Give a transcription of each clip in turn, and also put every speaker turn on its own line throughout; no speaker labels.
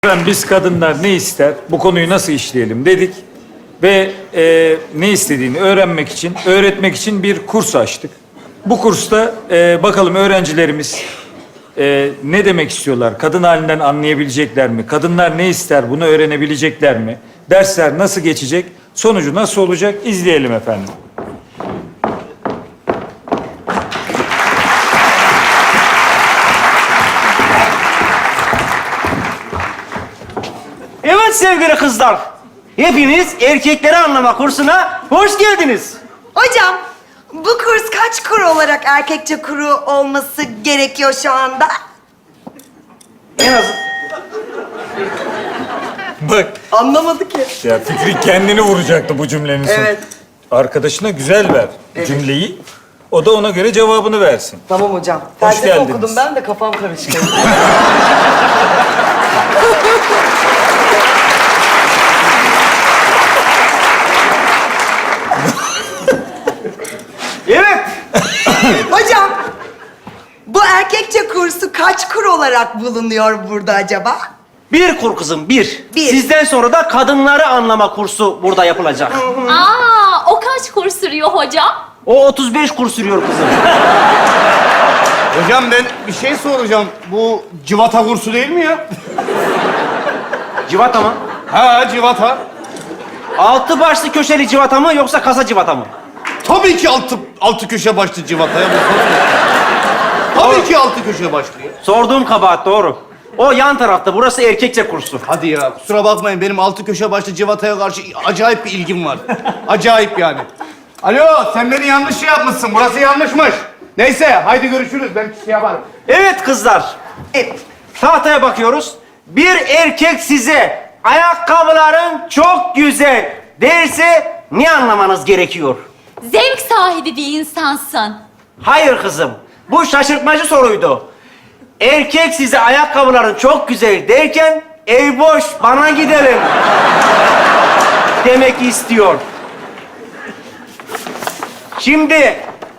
Biz kadınlar ne ister, bu konuyu nasıl işleyelim dedik. Ve ne istediğini öğrenmek için, öğretmek için bir kurs açtık. Bu kursta bakalım öğrencilerimiz ne demek istiyorlar, kadın halinden anlayabilecekler mi? Kadınlar ne ister, bunu öğrenebilecekler mi? Dersler nasıl geçecek, sonucu nasıl olacak izleyelim efendim.
Evet sevgili kızlar, hepiniz erkekleri anlama kursuna hoş geldiniz.
Hocam, bu kurs kaç kuru olarak erkekçe kuru olması gerekiyor şu anda?
En az...
Bak,
Anlamadı ki.
ya Fikri kendini vuracaktı bu cümlenin sonu.
Evet.
Arkadaşına güzel ver cümleyi, o da ona göre cevabını versin.
Tamam hocam.
Hoş
Felsefe
geldiniz.
okudum ben de kafam karıştı.
Evet,
Hocam, bu erkekçe kursu kaç kur olarak bulunuyor burada acaba?
bir kur kızım, bir.
Bir.
Sizden sonra da kadınları anlama kursu burada yapılacak.
Aa, o kaç kur sürüyor hocam?
O 35 kur sürüyor kızım.
Hocam ben bir şey soracağım. Bu civata kursu değil mi ya?
Civata mı?
Ha civata.
Altı başlı köşeli civata mı yoksa kasa civata mı?
Tabii ki altı köşe başlı civata ya. Tabii ki altı köşe başlı ya.
Sorduğum kabahat doğru. O yan tarafta, burası erkekçe kursu.
Hadi ya kusura bakmayın benim altı köşe başlı civataya karşı acayip bir ilgim var. Acayip yani. Alo sen beni yanlış şey yapmışsın. Burası yanlışmış. Neyse haydi görüşürüz. Ben şey yaparım.
Evet kızlar,
Evet.
tahtaya bakıyoruz. Bir erkek size ayakkabıların çok güzel derse ne anlamanız gerekiyor?
Zevk sahibi bir insansın.
Hayır kızım, bu şaşırtmacı soruydu. Erkek size ayakkabıların çok güzel derken ev boş, bana gidelim demek istiyor. Şimdi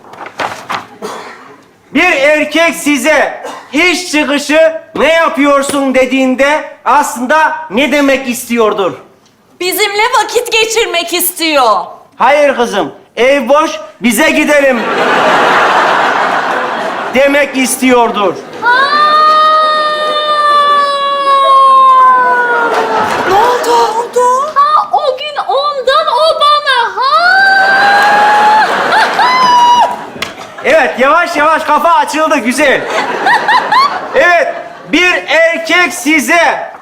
bir erkek size iş çıkışı ne yapıyorsun dediğinde aslında ne demek istiyordur?
Bizimle vakit geçirmek istiyor.
Hayır kızım, ev boş, bize gidelim demek istiyordur.
Ne oldu?
Ha, o gün ondan o bana. Ha.
Evet, yavaş yavaş kafa açıldı, güzel. Evet, bir erkek size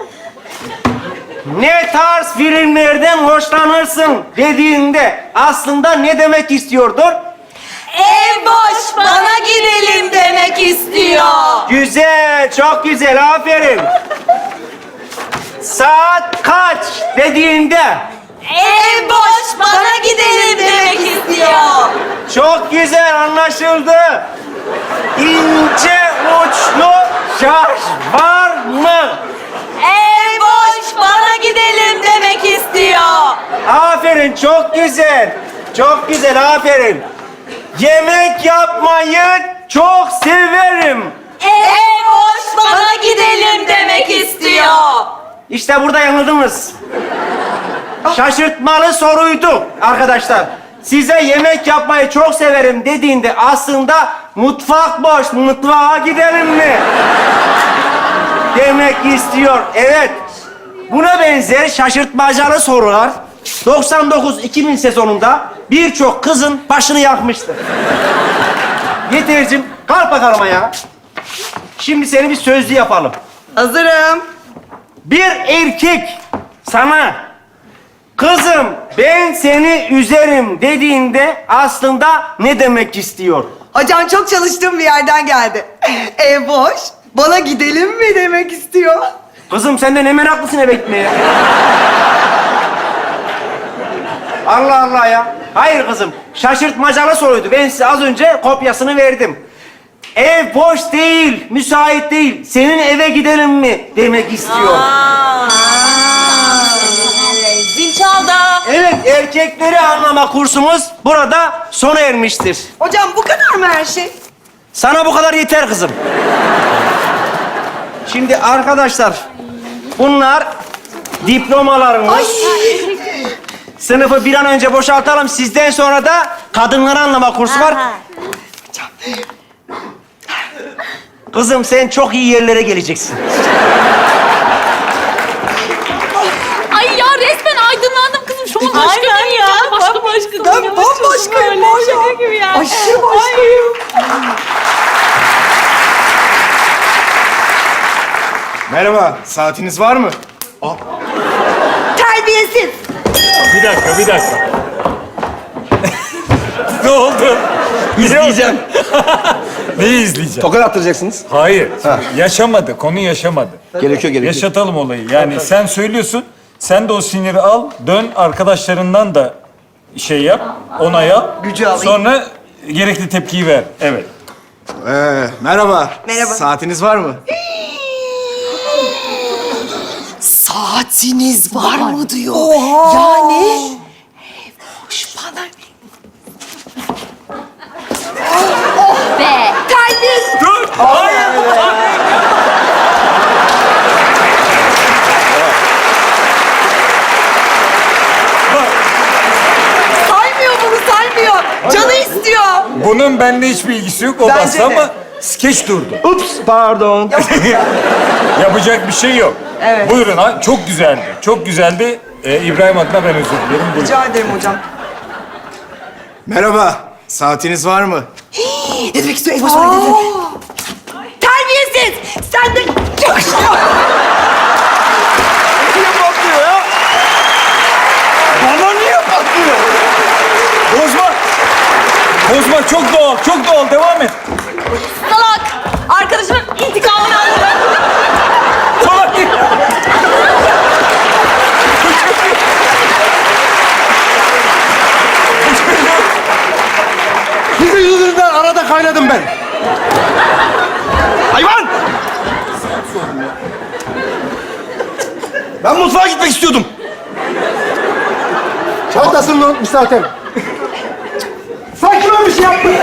ne tarz filmlerden hoşlanırsın dediğinde aslında ne demek istiyordur?
Ev boş, bana gidelim demek istiyor.
Güzel, çok güzel, aferin. Saat kaç dediğinde
Ev boş, bana gidelim demek istiyor.
çok güzel anlaşıldı. İnce uçlu şarj var mı?
Ev boş, bana gidelim demek istiyor.
Aferin, çok güzel. Çok güzel, aferin. Yemek yapmayı çok severim.
Ev boş, bana gidelim demek istiyor.
İşte burada yanıldınız. Şaşırtmalı soruydu arkadaşlar. Size yemek yapmayı çok severim dediğinde aslında mutfak boş, mutfağa gidelim mi demek istiyor. Evet. Buna benzer şaşırtmacalı sorular 99-2000 sezonunda birçok kızın başını yakmıştır. Yetercim, kalk bakalım ayağa. Şimdi seni bir sözlü yapalım.
Hazırım.
Bir erkek sana kızım ben seni üzerim dediğinde aslında ne demek istiyor?
Hocam çok çalıştığım bir yerden geldi. Ev boş, bana gidelim mi demek istiyor.
Kızım sen de ne meraklısın eve gitmeye. Allah Allah ya. Hayır kızım, şaşırtmacalı soruydu. Ben size az önce kopyasını verdim. Ev boş değil, müsait değil. Senin eve gidelim mi demek istiyor.
Zil çaldı.
Evet, erkekleri anlama kursumuz burada sona ermiştir.
Hocam bu kadar mı her şey?
Sana bu kadar yeter kızım. Şimdi arkadaşlar, Bunlar diplomalarınız. Sınıfı bir an önce boşaltalım. Sizden sonra da kadınları anlama kursu var. Kızım sen çok iyi yerlere geleceksin.
Ay ya resmen aydınlandım kızım. Şu an başka
Aynen ya.
Başka
Ben bambaşkayım var ya.
Şaka gibi yani.
Aşırı başkayım.
Merhaba, saatiniz var mı?
Terbiyesiz.
Bir dakika. Ne oldu? İzleyeceğim. Neyi izleyeceğim?
Tokat attıracaksınız.
Hayır. Yaşamadı. Konu yaşamadı.
Gerekiyor.
Yaşatalım olayı. Yani sen söylüyorsun. Sen de o siniri al. Dön arkadaşlarından da şey yap. Onay al.
Gücü alayım.
Sonra gerekli tepkiyi ver. Evet.
Merhaba.
Merhaba.
Saatiniz var mı?
Saatiniz var mı diyor. Oha. Yani. Hoş bana.
Be.
Terbiyesiz.
Dur. Hayır.
Saymıyor bunu, saymıyor. Canı istiyor.
Bunun benimle hiçbir ilgisi yok. O
Bence
bastı
de.
ama skeç durdu.
Ups, pardon.
Yapacak bir şey yok.
Evet.
Buyurun. Ha, çok güzeldi. Çok güzeldi. İbrahim adına ben özür dilerim. Buyurun.
Rica ederim hocam.
Merhaba. Saatiniz var mı?
Ne demek istiyor? Boş ver, ne demek? Terbiyesiz. Sen de yakışıyor.
Niye patlıyor ya? Bana niye patlıyor?
Bozma. Bozma. Çok doğal. Çok doğal. Devam et.
Salak. Arkadaşımın intikamını alırım.
Salak.
Sizin yüzünüzden arada kaynadım ben. Hayvan! Ben mutfağa gitmek istiyordum. Çantasını unutmuş zaten. Sanki ben bir şey yaptım.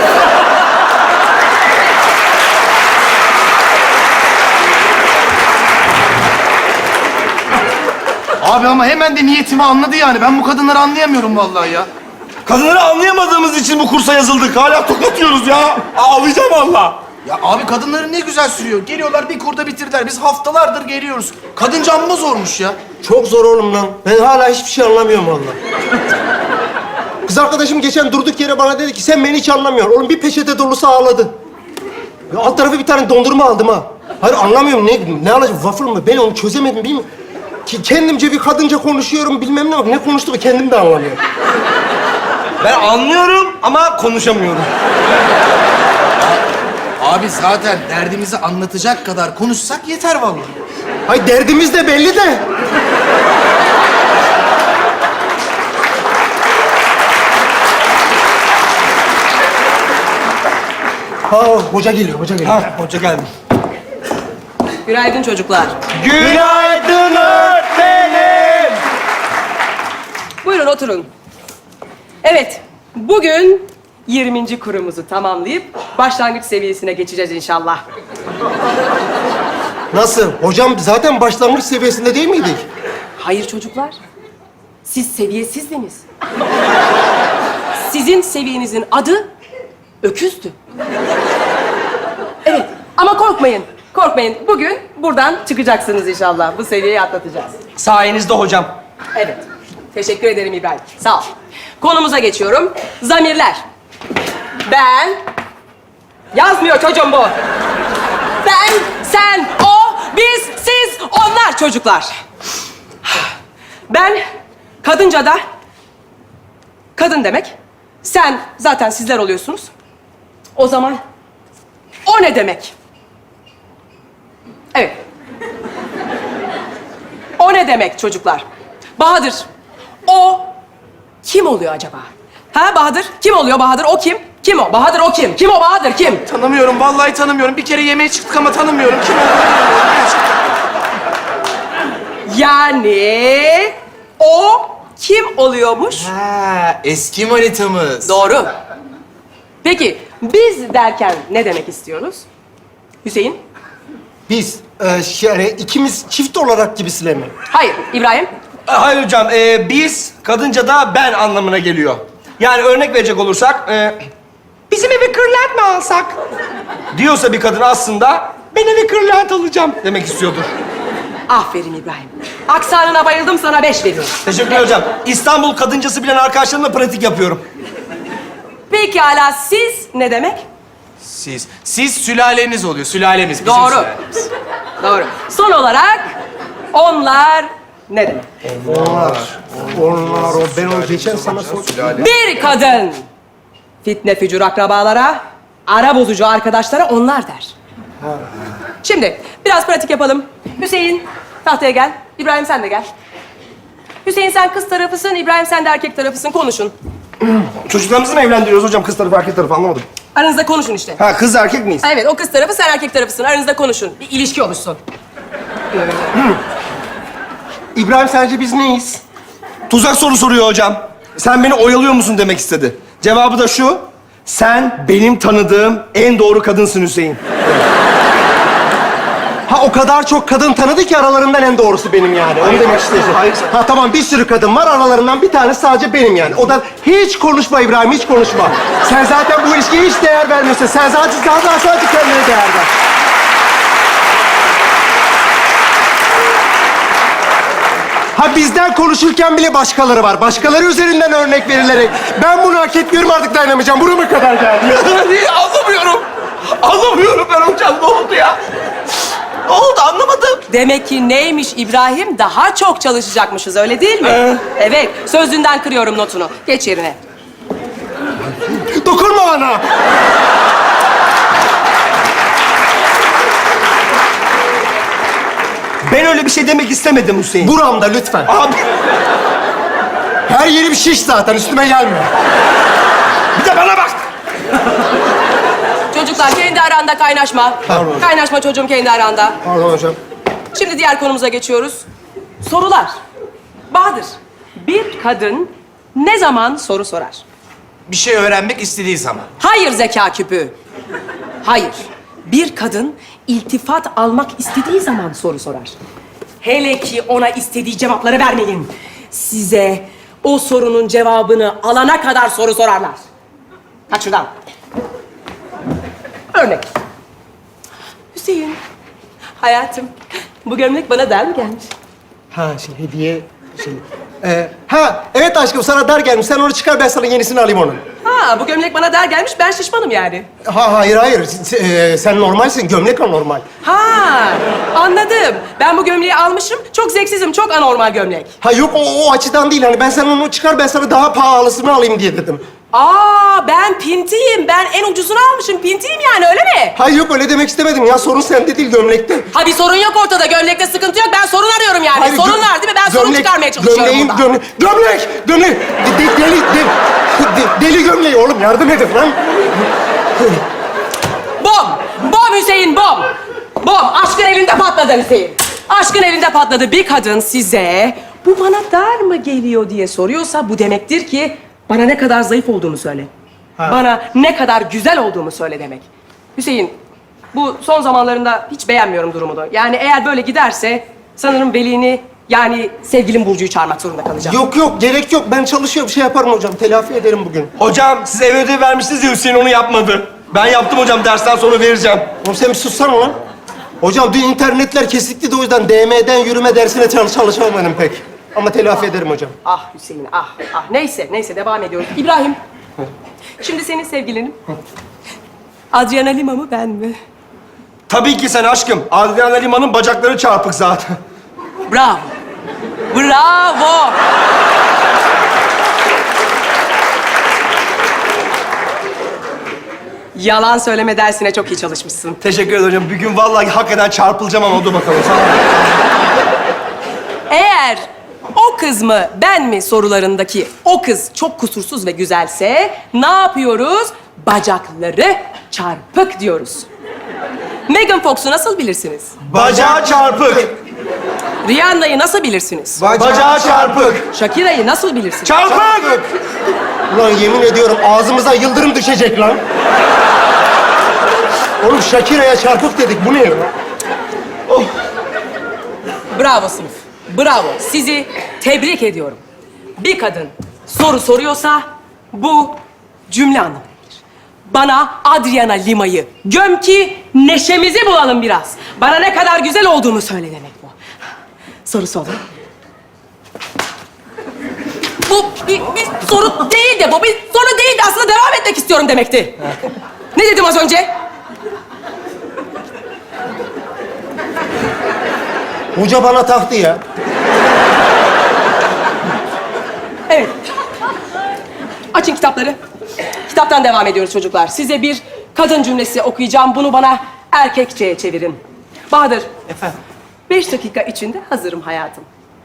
Abi ama hemen de niyetimi anladı yani. Ben bu kadınları anlayamıyorum vallahi ya.
Kadınları anlayamadığımız için bu kursa yazıldık. Hala tokatıyoruz ya. Ağlayacağım valla.
Ya abi kadınları ne güzel sürüyor. Geliyorlar bir kurda bitirdiler. Biz haftalardır geliyoruz. Kadınca amma zormuş ya.
Çok zor oğlum lan. Ben hala hiçbir şey anlamıyorum vallahi. Kız arkadaşım geçen durduk yere bana dedi ki sen beni hiç anlamıyorsun. Oğlum bir peçete dolusu ağladı. Ya alt tarafı bir tane dondurma aldım ha. Hayır anlamıyorum ne alacağım waffle mı? Ben onu çözemedim bilmiyorum. Ki kendimce bir kadınca konuşuyorum bilmem ne bak ne konuştuğumu kendim de anlamıyorum.
Ben anlıyorum ama konuşamıyorum.
Abi zaten derdimizi anlatacak kadar konuşsak yeter vallahi.
Hayır derdimiz de belli de. Ha hoca geliyor, hoca geliyor.
Ha, hoca geldi.
Günaydın çocuklar.
Günaydın öğretmenim.
Buyurun oturun. Evet, bugün 20. kurumuzu tamamlayıp başlangıç seviyesine geçeceğiz inşallah.
Nasıl? Hocam zaten başlangıç seviyesinde değil miydik?
Hayır çocuklar, siz seviyesizdiniz. Sizin seviyenizin adı öküzdü. Evet, ama korkmayın, korkmayın. Bugün buradan çıkacaksınız inşallah. Bu seviyeyi atlatacağız.
Sayenizde hocam.
Evet. Teşekkür ederim İbrahim. Sağ ol. Konumuza geçiyorum. Zamirler. Ben... Yazmıyor çocuğum bu. Ben, sen, o, biz, siz, onlar çocuklar. Ben kadınca da kadın demek. Sen zaten sizler oluyorsunuz. O zaman o ne demek? Evet. O ne demek çocuklar? Bahadır, o kim oluyor acaba? Ha Bahadır? Kim oluyor Bahadır? O kim? Kim o? Bahadır o kim? Kim o Bahadır? Kim?
Tanımıyorum, vallahi tanımıyorum. Bir kere yemeğe çıktık ama tanımıyorum. Kim olduğunu
Yani o kim oluyormuş?
Ha, eski manitamız.
Doğru. Peki biz derken ne demek istiyoruz? Hüseyin?
Biz Yani ikimiz çift olarak gibisine mi?
Hayır, İbrahim.
Hayır hocam, biz kadınca da ben anlamına geliyor. Yani örnek verecek olursak, bizim evi kırlent mi alsak? Diyorsa bir kadın aslında ben evi kırlent alacağım demek istiyordur.
Aferin İbrahim. Aksanına bayıldım, sana 5 veriyorum.
Teşekkürler hocam. İstanbul kadıncası bilen arkadaşlarımla pratik yapıyorum.
Pekala, siz ne demek?
Siz sülaleniz oluyor, sülalemiz. bizim
Doğru.
sülalemiz.
Doğru. Son olarak onlar ne demek?
Onlar o. Ben onu geçen sana sordum.
Bir kadın fitne fücur akrabalara, ara bozucu arkadaşlara onlar der. Şimdi biraz pratik yapalım. Hüseyin tahtaya gel. İbrahim sen de gel. Hüseyin sen kız tarafısın, İbrahim sen de erkek tarafısın. Konuşun.
Çocuklarımızı mı evlendiriyoruz hocam? Kız tarafı, erkek tarafı anlamadım.
Aranızda konuşun işte.
Ha, kız erkek miyiz?
Evet, o kız tarafı, sen erkek tarafısın. Aranızda konuşun. Bir ilişki oluşsun.
İbrahim sence biz neyiz?
Tuzak soru soruyor hocam. Sen beni oyalıyor musun demek istedi. Cevabı da şu: sen benim tanıdığım en doğru kadınsın Hüseyin.
Ha o kadar çok kadın tanıdı ki aralarından en doğrusu benim yani. Onu demek istiyorsun. Ha tamam bir sürü kadın var aralarından bir tanesi sadece benim yani. O da hiç konuşma İbrahim hiç konuşma. Sen zaten bu ilişkiye hiç değer vermiyorsun. Sen zaten sadece kendine değer ver. Ha bizden konuşurken bile başkaları var. Başkaları üzerinden örnek verilerek. Ben bunu hak etmiyorum artık dayanamayacağım. Burama kadar geldi.
Anlamıyorum. Anlamıyorum ben hocam. Ne oldu ya? Ne oldu anlamadım.
Demek ki neymiş İbrahim? Daha çok çalışacakmışız, öyle değil mi? Evet, sözünden kırıyorum notunu. Geç yerine.
Dokunma bana.
Ben öyle bir şey demek istemedim Hüseyin.
Buramda lütfen.
Abi
Her yerim şiş zaten üstüme gelme.
bir de bana bak.
Çocuklar kendi aranda kaynaşma.
Pardon.
Kaynaşma çocuğum kendi aranda.
Pardon hocam.
Şimdi diğer konumuza geçiyoruz. Sorular. Bahadır, bir kadın ne zaman soru sorar?
Bir şey öğrenmek istediği zaman.
Hayır zeka küpü. Hayır. Bir kadın iltifat almak istediği zaman soru sorar. Hele ki ona istediği cevapları vermeyin. Size o sorunun cevabını alana kadar soru sorarlar. Kaç şuradan. Örnek. Hüseyin, hayatım, bu gömlek bana dar mı gelmiş?
Ha hediye ha evet aşkım sana dar gelmiş. Sen onu çıkar ben sana yenisini alayım onun.
Ha, bu gömlek bana dar gelmiş, ben şişmanım yani.
Hayır. Sen normalsin. Gömlek anormal.
Ha, anladım. Ben bu gömleği almışım, çok zevksizim, çok anormal gömlek.
Ha yok o açıdan değil. Hani ben sen onu çıkar ben sana daha pahalısını alayım diye dedim.
Aa, ben pintiyim. Ben en ucuzunu almışım. Pintiyim yani, öyle mi?
Hayır yok öyle demek istemedim ya. Sorun sende değil gömlekte.
Ha, bir sorun yok ortada. Gömlekte sıkıntı yok. Ben sorun arıyorum yani.
Hayır,
sorun var değil mi? Ben sorun çıkarmaya çalışıyorum burada.
Gömlek! Deli gömleği oğlum yardım edin lan.
Bom! Bom Hüseyin, bom! Bom! Aşkın elinde patladı Hüseyin. Aşkın elinde patladı. Bir kadın size bu bana dar mı geliyor diye soruyorsa bu demektir ki bana ne kadar zayıf olduğumu söyle. Bana ne kadar güzel olduğumu söyle demek. Hüseyin, bu son zamanlarında hiç beğenmiyorum durumunu. Yani eğer böyle giderse sanırım velini yani sevgilim Burcu'yu çağırmak zorunda kalacağım.
Yok gerek yok. Ben çalışıyorum şey yaparım hocam. Telafi ederim bugün.
Hocam siz ev ödevi vermiştiniz ya Hüseyin onu yapmadı. Ben yaptım hocam dersten sonra vereceğim.
Oğlum sen bir sussana lan. Hocam dün internetler kesikti de o yüzden DM'den yürüme dersine çalışamadım pek. Ama telafi ederim hocam.
Ah Hüseyin, ah. Neyse devam ediyoruz. İbrahim, şimdi senin sevgilinin Adriana Lima mı ben mi?
Tabii ki sen aşkım. Adriana Lima'nın bacakları çarpık zaten.
Bravo. Bravo. Yalan söyleme dersine çok iyi çalışmışsın.
Teşekkür ederim hocam. Bir gün vallahi hakikaten çarpılacağım ama dur bakalım. Sağ ol.
Eğer o kız mı ben mi sorularındaki o kız çok kusursuz ve güzelse ne yapıyoruz? Bacakları çarpık diyoruz. Megan Fox'u nasıl bilirsiniz?
Bacağı çarpık.
Rihanna'yı nasıl bilirsiniz?
Bacağı çarpık.
Shakira'yı nasıl bilirsiniz?
Çarpık!
Ulan yemin ediyorum ağzımıza yıldırım düşecek lan. Oğlum Shakira'ya çarpık dedik. Bu ne ya?
Oh.
Bravo sınıf. Bravo. Sizi tebrik ediyorum. Bir kadın soru soruyorsa bu cümle anlamındadır. Bana Adriana Lima'yı göm ki neşemizi bulalım biraz. Bana ne kadar güzel olduğunu söyle demek bu. Sorusu olan. Bu bir soru değil de bu bir soru değil de aslında devam etmek istiyorum demekti. Ne dedim az önce?
Hoca bana taktı ya.
Evet. Açın kitapları. Kitaptan devam ediyoruz çocuklar. Size bir kadın cümlesi okuyacağım. Bunu bana erkekçeye çevirin. Bahadır.
Efendim?
5 dakika içinde hazırım hayatım.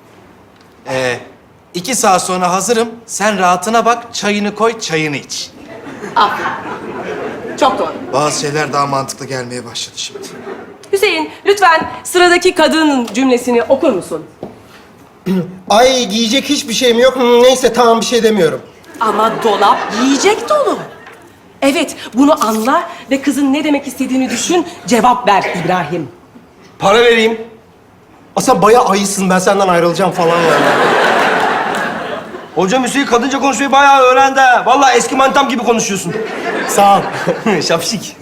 2 saat sonra hazırım. Sen rahatına bak, çayını koy, çayını iç.
Aferin. Çok doğru.
Bazı şeyler daha mantıklı gelmeye başladı şimdi.
Hüseyin, lütfen sıradaki kadın cümlesini okur musun?
Ay giyecek hiçbir şeyim yok. Neyse tamam bir şey demiyorum.
Ama dolap yiyecek dolu. Evet, bunu anla ve kızın ne demek istediğini düşün, cevap ver İbrahim.
Para vereyim.
Sen bayağı ayısın, ben senden ayrılacağım falan yani.
Hocam Hüseyin kadınca konuşmayı bayağı öğrendi ha. Vallahi eski manitam gibi konuşuyorsun.
Sağ ol.
Şapşik.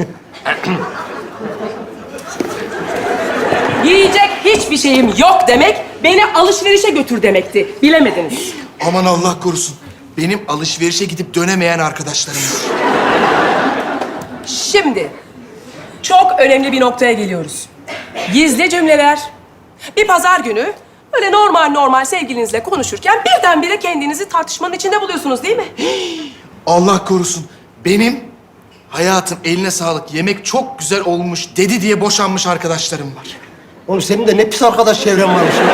Yiyecek hiçbir şeyim yok demek, beni alışverişe götür demekti. Bilemediniz.
Aman Allah korusun. Benim alışverişe gidip dönemeyen arkadaşlarım var.
Şimdi, çok önemli bir noktaya geliyoruz. Gizli cümleler. Bir pazar günü, böyle normal sevgilinizle konuşurken birdenbire kendinizi tartışmanın içinde buluyorsunuz değil mi?
Allah korusun. Benim hayatım eline sağlık, yemek çok güzel olmuş dedi diye boşanmış arkadaşlarım var.
Oğlum senin de ne pis arkadaş çevren varmış ya.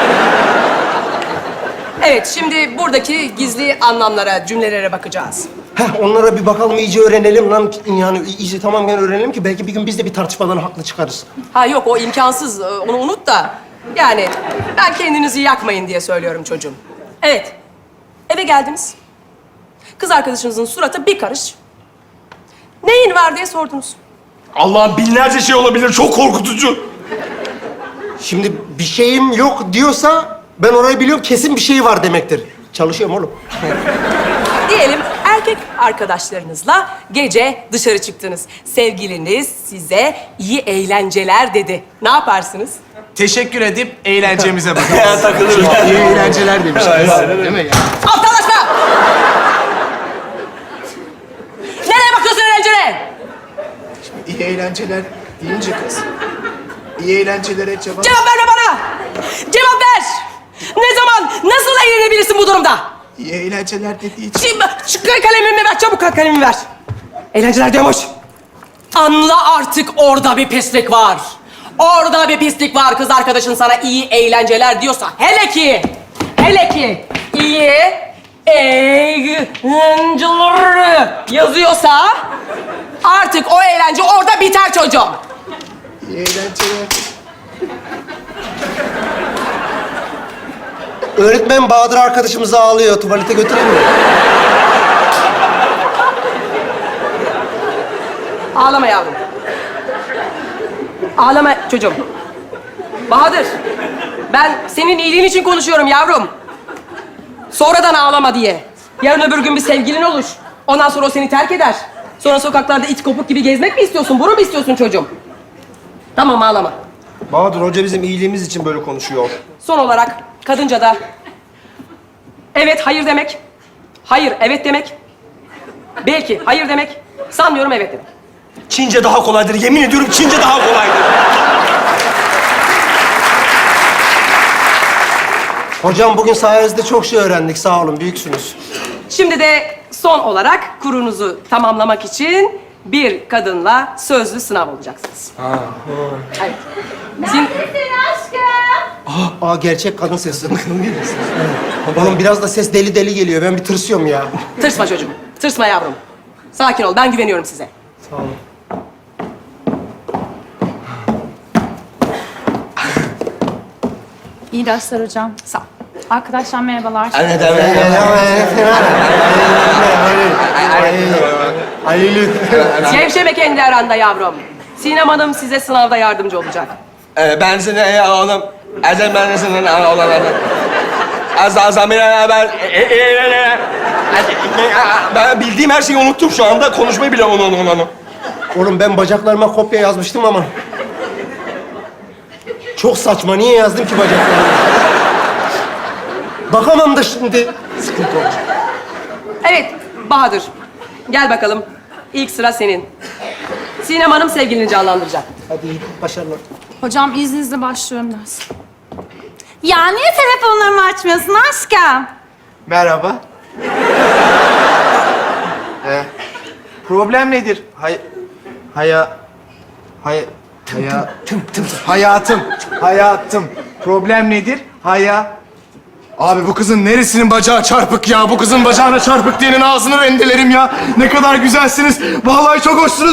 Evet, şimdi buradaki gizli anlamlara, cümlelere bakacağız.
Onlara bir bakalım, iyice öğrenelim lan. Yani iyice tamamen öğrenelim ki belki bir gün biz de bir tartışmadan haklı çıkarız.
Ha yok, o imkansız. Onu unut da. Yani ben kendinizi yakmayın diye söylüyorum çocuğum. Evet, eve geldiniz. Kız arkadaşınızın suratı bir karış. Neyin var diye sordunuz.
Allah'ım binlerce şey olabilir. Çok korkutucu.
Şimdi bir şeyim yok diyorsa ben orayı biliyorum, kesin bir şey var demektir. Çalışıyorum oğlum.
Diyelim erkek arkadaşlarınızla gece dışarı çıktınız. Sevgiliniz size iyi eğlenceler dedi. Ne yaparsınız?
Teşekkür edip eğlencemize bakalım.
Takılırız.
İyi eğlenceler demiş. Değil mi ya?
Aptallaşma! Nereye bakıyorsun eğlencene?
İyi eğlenceler deyince kız. İyi eğlencelere cevap...
Cevap verme bana! Cevap ver! Ne zaman, nasıl eğlenebilirsin bu durumda?
İyi eğlenceler dediği için...
Şimdi şu kalemimi ver, çabuk kalemimi ver. Eğlenceler diyormuş. Anla artık orada bir pislik var. Orada bir pislik var. Kız arkadaşın sana iyi eğlenceler diyorsa, hele ki iyi eğlenceler yazıyorsa artık o eğlence orada biter çocuğum.
İyi eğlenceler...
Öğretmen Bahadır arkadaşımız ağlıyor. Tuvalete götüreyim mi?
Ağlama yavrum. Ağlama çocuğum. Bahadır, ben senin iyiliğin için konuşuyorum yavrum. Sonradan ağlama diye. Yarın öbür gün bir sevgilin olur. Ondan sonra o seni terk eder. Sonra sokaklarda it kopuk gibi gezmek mi istiyorsun? Bunu mu istiyorsun çocuğum? Tamam, ağlama.
Bahadır Hoca bizim iyiliğimiz için böyle konuşuyor.
Son olarak kadınca da evet, hayır demek. Hayır, evet demek. Belki hayır demek. Sanmıyorum evet demek.
Çince daha kolaydır. Yemin ediyorum Çince daha kolaydır.
Hocam bugün sayenizde çok şey öğrendik. Sağ olun, büyüksünüz.
Şimdi de son olarak kurunuzu tamamlamak için bir kadınla sözlü sınav olacaksınız. Evet.
Neredesin aşkım?
Aa gerçek kadın sesi. Oğlum biraz da ses deli deli geliyor. Ben bir tırsıyorum ya.
Tırsma çocuğum. Tırsma yavrum. Sakin ol. Ben güveniyorum size.
Sağ olun.
İyi dersler hocam.
Sağ ol.
Arkadaşlar merhabalar.
Gevşeme kendi aranda yavrum. Sinem Hanım size sınavda yardımcı olacak.
Ben seni hanım. Azam ben senin olanlar. Azam ben bildiğim her şeyi unuttum şu anda. Konuşmayı bile onu.
Oğlum ben bacaklarıma kopya yazmıştım ama... Çok saçma. Niye yazdım ki bacaklarıma? Bakamam da şimdi. Sıkıntı olacak.
Evet, Bahadır. Gel bakalım. İlk sıra senin. Sinem Hanım sevgilini canlandıracak.
Hadi iyi başarılar.
Hocam izninizle başlıyorum ders.
Ya niye telefonlarımı açmıyorsun aşkım?
Merhaba. Problem nedir? Hayatım. Problem nedir? Abi bu kızın neresinin bacağı çarpık ya? Bu kızın bacağına çarpık diyenin ağzını rendelerim ya. Ne kadar güzelsiniz. Vallahi çok hoşsunuz.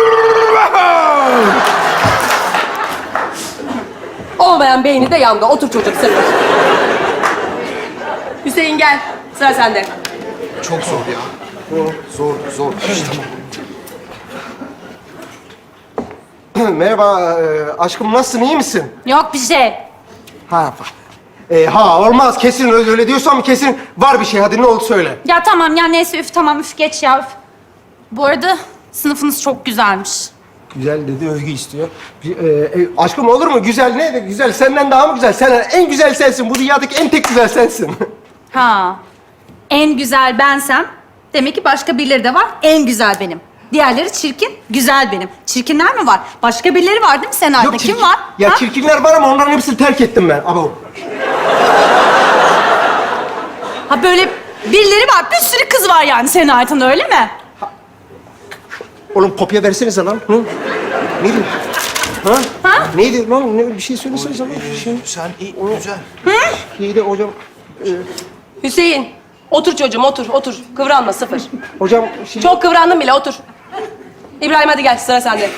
Olmayan beyni de yandı. Otur çocuk sıfır. Hüseyin gel. Sıra sende.
Çok zor ya. Zor.
Merhaba aşkım, nasılsın? İyi misin?
Yok bir şey.
Olmaz. Kesin öyle diyorsan kesin var bir şey. Hadi ne oldu söyle.
Ya tamam ya neyse üf tamam üf geç ya üf. Bu arada sınıfınız çok güzelmiş.
Güzel dedi, övgü istiyor. Aşkım olur mu? Güzel ne? Güzel. Senden daha mı güzel? Sen en güzel sensin. Bu dünyadaki en tek güzel sensin.
Ha. En güzel bensem demek ki başka birileri de var. En güzel benim. Diğerleri çirkin, güzel benim. Çirkinler mi var? Başka birileri var değil mi senaryoda? Kim var?
Ya
Ha?
çirkinler var ama onların hepsini terk ettim ben. Abo.
Ha böyle birileri var. Bir sürü kız var yani senin hayatında öyle mi?
Oğlum kopya versenize lan. Hı? Neydi? Ha?
Ha?
Neydi lan? Bir şey söylesenize lan. Bir şey.
Sen iyi, güzel.
Neydi hocam?
Hüseyin. Otur çocuğum, otur. Kıvranma, sıfır.
Hocam
Çok kıvrandın bile, otur. İbrahim hadi gel, sıra sende.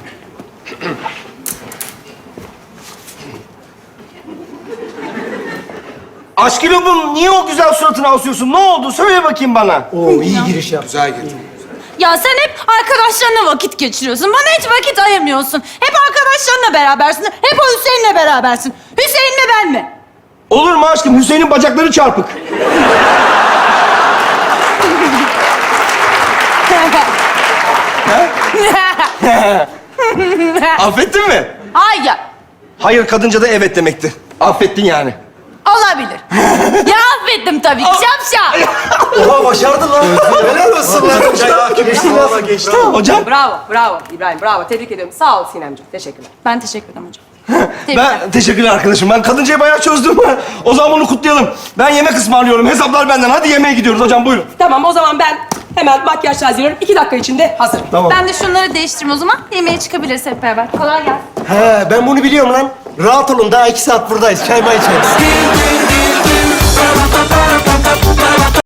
Aşkım niye o güzel suratını asıyorsun? Ne oldu? Söyle bakayım bana.
Oo, iyi giriş yap.
Güzel girdin.
Ya sen hep arkadaşlarınla vakit geçiriyorsun. Bana hiç vakit ayırmıyorsun. Hep arkadaşlarınla berabersin. Hep o Hüseyin'le berabersin. Hüseyin mi ben mi?
Olur mu aşkım? Hüseyin'in bacakları çarpık. Affettin mi?
Hayır.
Hayır, kadınca da evet demekti. Affettin yani.
Olabilir. Ya affettim tabii ki. Şapşal.
Oha başardın lan. Helal olsun lan. Geçti lan.
Hocam,
Bravo İbrahim, bravo. Tebrik ediyorum. Sağ ol Sinemciğim, teşekkürler.
Ben teşekkür ederim hocam. Tebrikler.
ben teşekkürler arkadaşım. Ben kadıncayı bayağı çözdüm. O zaman bunu kutlayalım. Ben yemek ısmarlıyorum. Hesaplar benden. Hadi yemeğe gidiyoruz hocam. Buyurun.
Tamam, o zaman ben hemen makyaj hazırlıyorum. 2 dakika içinde hazır.
Tamam.
Ben de şunları değiştireyim o zaman. Yemeğe çıkabiliriz hep beraber. Kolay gelsin.
He, ben bunu biliyorum lan. Rahat olun, daha 2 saat buradayız. Çay may içeriz.